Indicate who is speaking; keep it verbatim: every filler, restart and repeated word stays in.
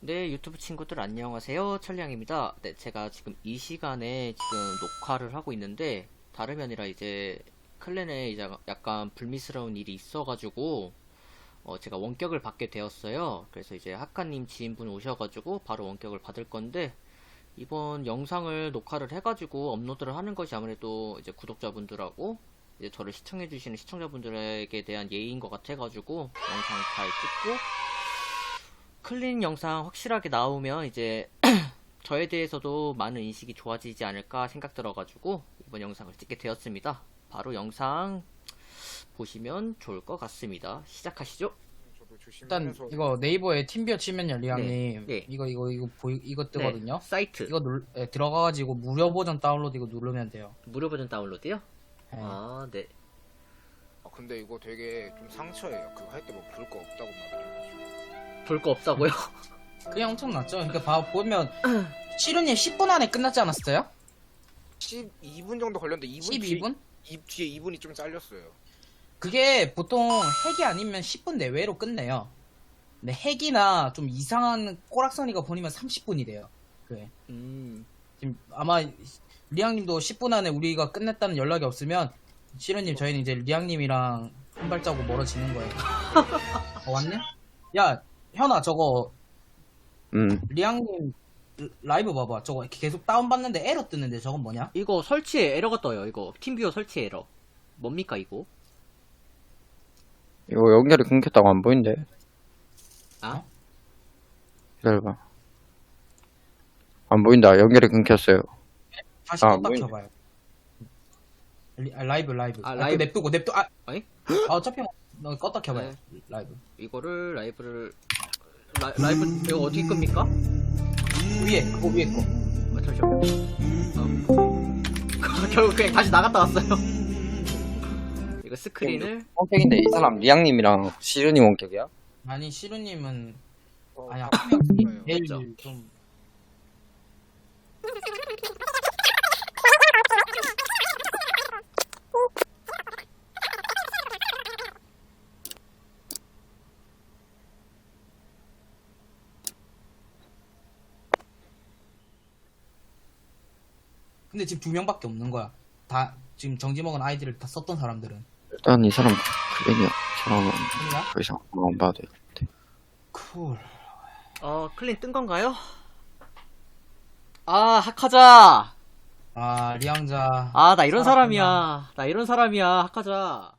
Speaker 1: 네, 유튜브 친구들 안녕하세요. 천량입니다. 네, 제가 지금 이 시간에 지금 녹화를 하고 있는데, 다름이 아니라 이제 클랜에 이제 약간 불미스러운 일이 있어가지고, 어, 제가 원격을 받게 되었어요. 그래서 이제 하카님 지인분 오셔가지고 바로 원격을 받을 건데, 이번 영상을 녹화를 해가지고 업로드를 하는 것이 아무래도 이제 구독자분들하고 이제 저를 시청해주시는 시청자분들에게 대한 예의인 것 같아가지고 영상 잘 찍고 클린 영상 확실하게 나오면 이제 저에 대해서도 많은 인식이 좋아지지 않을까 생각 들어가지고 이번 영상을 찍게 되었습니다. 바로 영상 보시면 좋을 것 같습니다. 시작하시죠.
Speaker 2: 저도
Speaker 3: 일단
Speaker 2: 조심해서
Speaker 3: 이거 네이버에 팀비어 치면요, 리앙님.
Speaker 1: 네, 네.
Speaker 3: 이거 이거 이거 보이 이거 뜨거든요.
Speaker 1: 네, 사이트
Speaker 3: 이거 눌 예, 들어가가지고 무료 버전 다운로드 이거 누르면 돼요.
Speaker 1: 무료 버전 다운로드요?
Speaker 3: 예.
Speaker 1: 아, 네.
Speaker 2: 아, 근데 이거 되게 좀 상처예요. 그거 할 때 뭐 볼 거 없다고 막 그래가지고.
Speaker 1: 볼 거 없다고요?
Speaker 3: 그냥 엄청 났죠. 그러니까 봐 보면 시루님 십 분 안에 끝났지 않았어요?
Speaker 2: 십이 분 정도 걸렸는데 이 분
Speaker 3: 십이 분?
Speaker 2: 뒤에, 이, 뒤에 이 분이 좀 잘렸어요.
Speaker 3: 그게 보통 핵이 아니면 십 분 내외로 끝내요. 근데 핵이나 좀 이상한 꼬락서니가 보내면 삼십 분이 돼요. 그래.
Speaker 1: 음,
Speaker 3: 지금 아마 리앙님도 십 분 안에 우리가 끝냈다는 연락이 없으면 시루님 저희는 이제 리앙님이랑 한 발자국 멀어지는 거예요. 어, 왔네? 야 현아 저거
Speaker 4: 음,
Speaker 3: 리앙님 라이브 봐봐. 저거 계속 다운받는데 에러 뜨는데 저건 뭐냐?
Speaker 1: 이거 설치에 에러가 떠요. 이거 팀뷰어 설치 에러. 뭡니까 이거?
Speaker 4: 이거 연결이 끊겼다고 안 보이는데.
Speaker 1: 아?
Speaker 4: 기다려봐. 안 보인다. 연결이 끊겼어요.
Speaker 3: 다시
Speaker 4: 아,
Speaker 3: 껐다
Speaker 4: 뭐야.
Speaker 3: 켜봐요. 리, 아, 라이브 라이브.
Speaker 1: 아,
Speaker 3: 아,
Speaker 1: 라이브.
Speaker 3: 그 냅두고 냅두. 아,
Speaker 1: 아니?
Speaker 3: 아 어차피 너 껐다 켜봐요.
Speaker 1: 네.
Speaker 3: 라이브.
Speaker 1: 이거를 라이브를 라, 라이브 이거 어떻게 끕니까?
Speaker 3: 위에 그거 위에 거.
Speaker 1: 아, 잠시만요. 어. 결국 그냥 다시 나갔다 왔어요. 이거 스크린을
Speaker 4: 원격인데 이 사람 리앙님이랑 시르님 원격이야?
Speaker 3: 아니 시루님은
Speaker 2: 어,
Speaker 3: 아니
Speaker 2: 아,
Speaker 3: 한명
Speaker 2: 좋아요.
Speaker 3: 제일
Speaker 1: 맞죠?
Speaker 3: 좀 근데 지금 두 명밖에 없는 거야. 다 지금 정지 먹은 아이디를 다 썼던 사람들은.
Speaker 4: 일단 이 사람 클랜이야. 이 사람은
Speaker 3: 아니야?
Speaker 4: 더 이상 안 봐도 돼.
Speaker 3: 쿨.
Speaker 1: 어 클린 뜬 건가요? 아 하카자.
Speaker 3: 아 리앙자.
Speaker 1: 아 나 이런
Speaker 3: 살았구나.
Speaker 1: 사람이야. 나 이런 사람이야 하카자.